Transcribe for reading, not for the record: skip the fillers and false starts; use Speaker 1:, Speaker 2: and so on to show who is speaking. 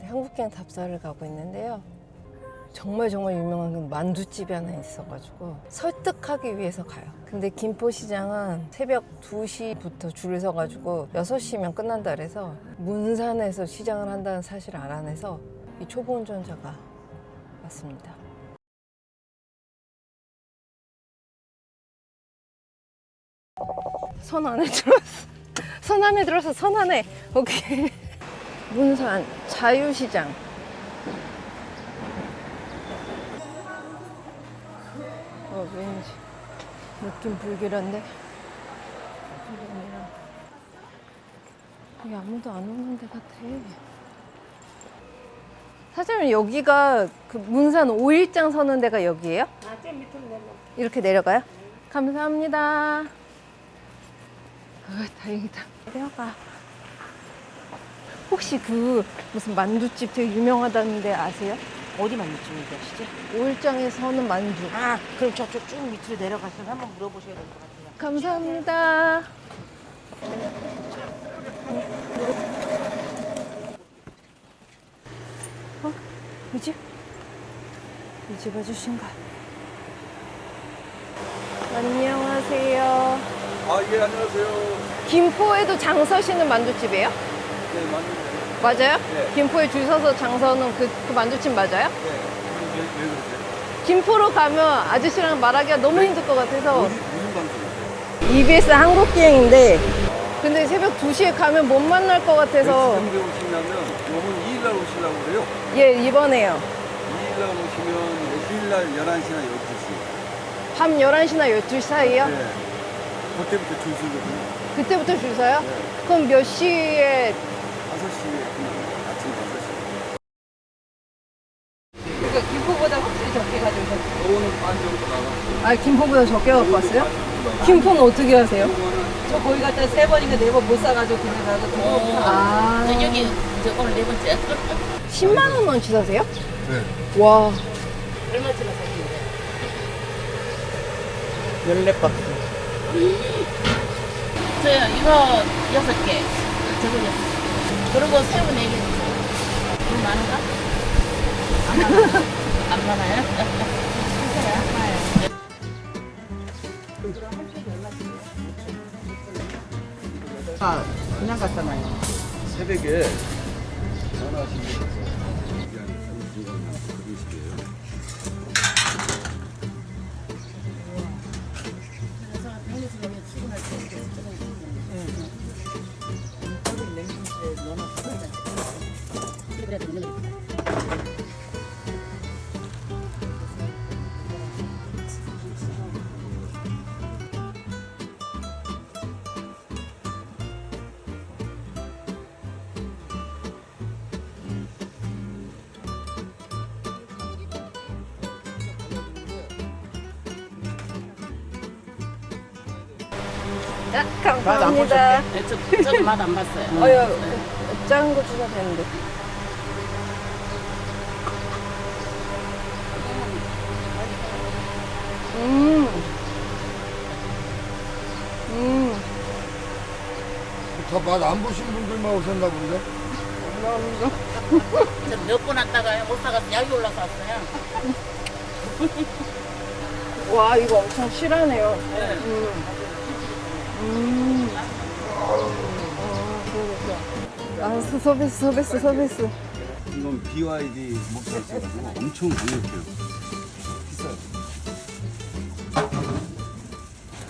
Speaker 1: 한국행 답사를 가고 있는데요. 정말 유명한 만두집이 하나 있어가지고 설득하기 위해서 가요. 근데 김포시장은 새벽 2시부터 줄을 서가지고 6시면 끝난다 그래서 문산에서 시장을 한다는 사실을 알아내서 이 초보 운전자가 왔습니다. 선 안에 들어왔어. 선 안에 들어서 선 안에. 오케이. 문산 자유시장. 왠지 느낌 불길한데. 여기 아무도 안 오는 데 같아. 사장님, 여기가 그 문산 5일장 서는 데가 여기예요?
Speaker 2: 좀 밑으로 내려.
Speaker 1: 이렇게 내려가요? 감사합니다. 다행이다. 내려가. 혹시 그 무슨 만두집 되게 유명하다는데 아세요?
Speaker 2: 어디 만두집 얘기하시지?
Speaker 1: 5일장에 서는 만두.
Speaker 2: 아, 그럼 저쪽 쭉 밑으로 내려가서 한번 물어보셔야 될 것 같아요.
Speaker 1: 감사합니다. 이 집? 이 집 아저씨인가? 안녕하세요.
Speaker 3: 아, 예, 안녕하세요.
Speaker 1: 김포에도 장 서시는 만두집이에요?
Speaker 3: 네, 맞는데.
Speaker 1: 맞아요?
Speaker 3: 네.
Speaker 1: 김포에 줄 서서 장 서는 그 만두집 맞아요?
Speaker 3: 네. 왜 그러세요?
Speaker 1: 김포로 가면 아저씨랑 말하기가 너무 힘들 것 같아서.
Speaker 3: 무슨 방송이세요?
Speaker 1: EBS 한국기행인데 근데 새벽 2시에 가면 못 만날 것 같아서.
Speaker 3: 언제 오시냐면, 요번 2일날 오시려고 그래요.
Speaker 1: 예, 이번에요.
Speaker 3: 2일날 오시면, 휴일날 11시나 12시.
Speaker 1: 밤 11시나 12시 사이요?
Speaker 3: 네. 그때부터 줄 서거든요.
Speaker 1: 그때부터 줄 서요?
Speaker 3: 네.
Speaker 1: 그럼 몇 시에?
Speaker 3: 5시에, 아침 5시.
Speaker 1: 그러니까 김포보다 확실히 적게 가져오셨어요.
Speaker 3: 오늘 반 정도 나가고.
Speaker 1: 아, 김포보다 적게 갖고 왔어요? 김포는 어떻게 하세요?
Speaker 2: 저 거기 갔다 3번인가 4번 못 사가지고 그냥 가서 두고
Speaker 1: 아,
Speaker 4: 여기 저 오늘 4번째.
Speaker 1: 10만 원어치 사세요?
Speaker 3: 네.
Speaker 1: 와,
Speaker 4: 얼마치나 사시는데?
Speaker 2: 14박스.
Speaker 4: 저요 이거 6개, 저거 6개. 그리고 새우 4개 주세요. 돈 많은가? 안 많아요? 안 많아요? 주세요. 많아요.
Speaker 2: 아, 그냥 갔잖아요.
Speaker 3: 새벽에 전화하시면서 얘기하는 중간에 그런 식이에요.
Speaker 4: 그래서 평일에 여기 출근할 때 이렇게 조금
Speaker 2: 냉동실에 넣어놨어.
Speaker 4: 그래야 되는 거예요.
Speaker 1: 감사합니다.
Speaker 4: 네, 저도 맛 안 봤어요.
Speaker 1: 작은 거 주셔도 되는데.
Speaker 3: 다 맛 안 보신 분들만 오셨나 본데?
Speaker 4: 저 몇 번 왔다가 못 사가서 약이 올라서 왔어요.
Speaker 1: 와, 이거 엄청 실하네요. 아, 서비스.
Speaker 3: 이건 BYD 목소리고 엄청 강력해요. 비싸요.